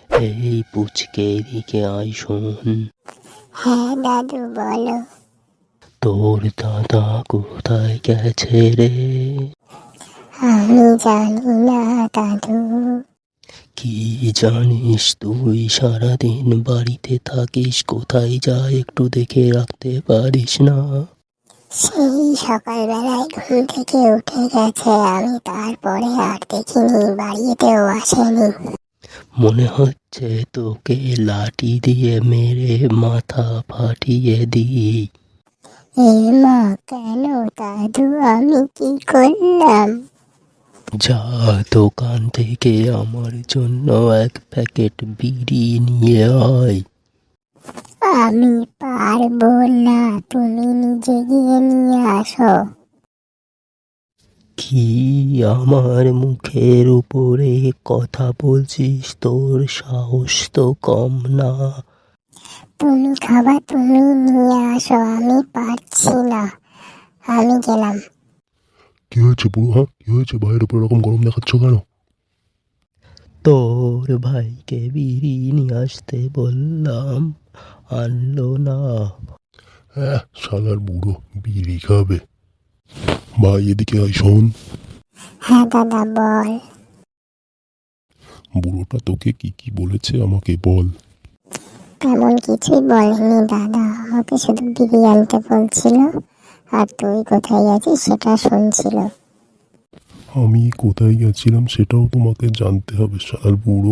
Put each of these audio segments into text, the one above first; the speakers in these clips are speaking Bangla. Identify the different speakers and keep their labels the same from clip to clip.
Speaker 1: এই পুচকে এদিকে আয় শোন।
Speaker 2: হ্যাঁ দাদু বলো।
Speaker 1: তোর দাদা কোথায় গেছে রে?
Speaker 2: আমি জানি না দাদু।
Speaker 1: কি জানিস তুই? সারাদিন বাড়িতে থাকিস, কোথায় যায় একটু দেখে রাখতে পারিস না?
Speaker 2: সেই সকালবেলায় ঘুম থেকে উঠে গেছে, আমি তারপরে আর দেখিনি, বাড়িতেও আসেনি।
Speaker 1: মনে হচ্ছে তোকে লাঠি দিয়ে মেরে মাথা ফাটিয়ে দিই।
Speaker 2: এ মা, কেন দাদু, আমি কি করলাম?
Speaker 1: যা দোকান থেকে আমার জন্য এক প্যাকেট বিড়ি নিয়ে আয়।
Speaker 2: আমি পারবো না, তুমি নিজে গিয়ে নিয়ে আসো।
Speaker 1: কি আমার মুখের উপরে কথা বলছিস? তোর সাহস তো কম না।
Speaker 2: তুমি খাবা, তুমি নিয়ে আসো, আমি পারছি না, আমি গেলাম।
Speaker 3: কি হয়েছে বুড়ো? হ্যাঁ, কি হয়েছে? ভাইয়ের উপর এরকম গরম দেখাচ্ছ কেন?
Speaker 1: তোর ভাইকে বিড়ি নিয়ে আসতে বললাম, আনলো না।
Speaker 3: হ্যাঁ, শালার বুড়ো বিড়ি খাবে। ভাই এদিকে আয় শোন।
Speaker 2: হ্যাঁ দাদা বল।
Speaker 3: বুড়োটা তোকে কি কি বলেছে আমাকে বল।
Speaker 2: তেমন কিছুই বলেনি দাদা, আমাকে শুধু বিড়ি আনতে বলছিল, আর তুই কোথায় আছিস সেটা শুনছিল।
Speaker 3: আমি কোথায় গেছিলাম সেটাও তোমাকে জানতে হবে শালার বুড়ো।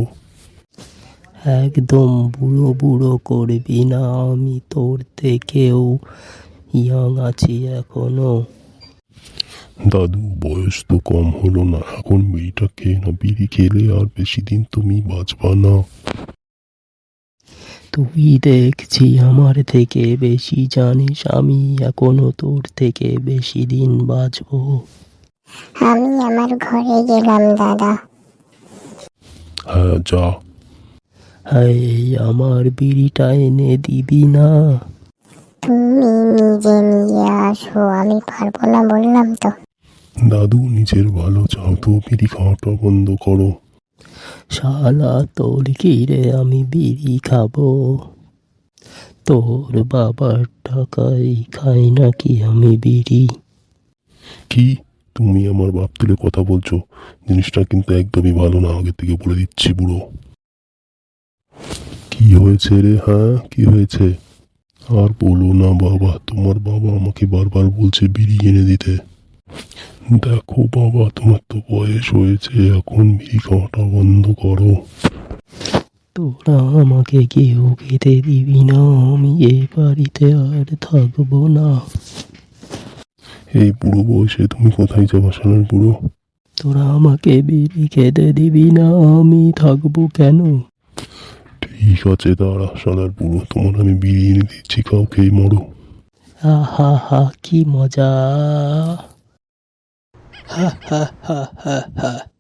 Speaker 1: একদম বুড়ো বুড়ো করবি না, আমি তোর থেকেও ইয়াং আছি এখনো।
Speaker 3: দাদু বয়স তো কম হলো না, এখন বিড়িটা খেয়ে না, বিড়ি খেলে আর বেশি দিন তুমি বাঁচবা না।
Speaker 1: তুই দেখছি আমার থেকে বেশি জানিস, আমি এখনো তোর থেকে বেশি দিন বাঁচবো।
Speaker 2: আমি আমার ঘরে গেলাম দাদা।
Speaker 3: হ্যাঁ যা।
Speaker 1: হাই, আমার বিড়িটা এনে দিবি না?
Speaker 2: তুমি নিজে নিয়ে আসো, আমি পারবো না বললাম তো।
Speaker 3: দাদু নিজের ভালো চাও তো বিড়ি খাওয়াটা বন্ধ করো।
Speaker 1: শালা তোর কি রে, আমি বিড়ি খাবো? তোর বাবার টাকায় খাই নাকি আমি বিড়ি?
Speaker 3: কি? তুমি আমার বাপ তুলে কথা বলছো? জিনিসটা কিন্তু একদমই ভালো না, আগে থেকে বলে দিচ্ছি বুড়ো। কি হয়েছে রে? হ্যাঁ কি হয়েছে? আর বলো না বাবা, তোমার বাবা আমাকে বারবার বলছে বিড়ি এনে দিতে। দেখো বাবা, তোমার তো বয়স হয়েছে, এখন বিড়ি খাওয়াটা বন্ধ করো।
Speaker 1: তোরা আমাকে কেউ খেতে দিবি না, আমি এই বাড়িতে আর থাকবো না।
Speaker 3: এই বুড়ো বয়সে তুমি কোথায় যাবা শালার বুড়ো?
Speaker 1: তোরা আমাকে বিড়ি খেতে দিবি না, আমি থাকবো কেন?
Speaker 3: ঠিক আছে দাঁড়া শালার বুড়ো, তোমার আমি বিড়ি এনে দিচ্ছি, খাও, খেয়ে মরো।
Speaker 1: আহা হা, কি মজা! হা হা হা হা হা।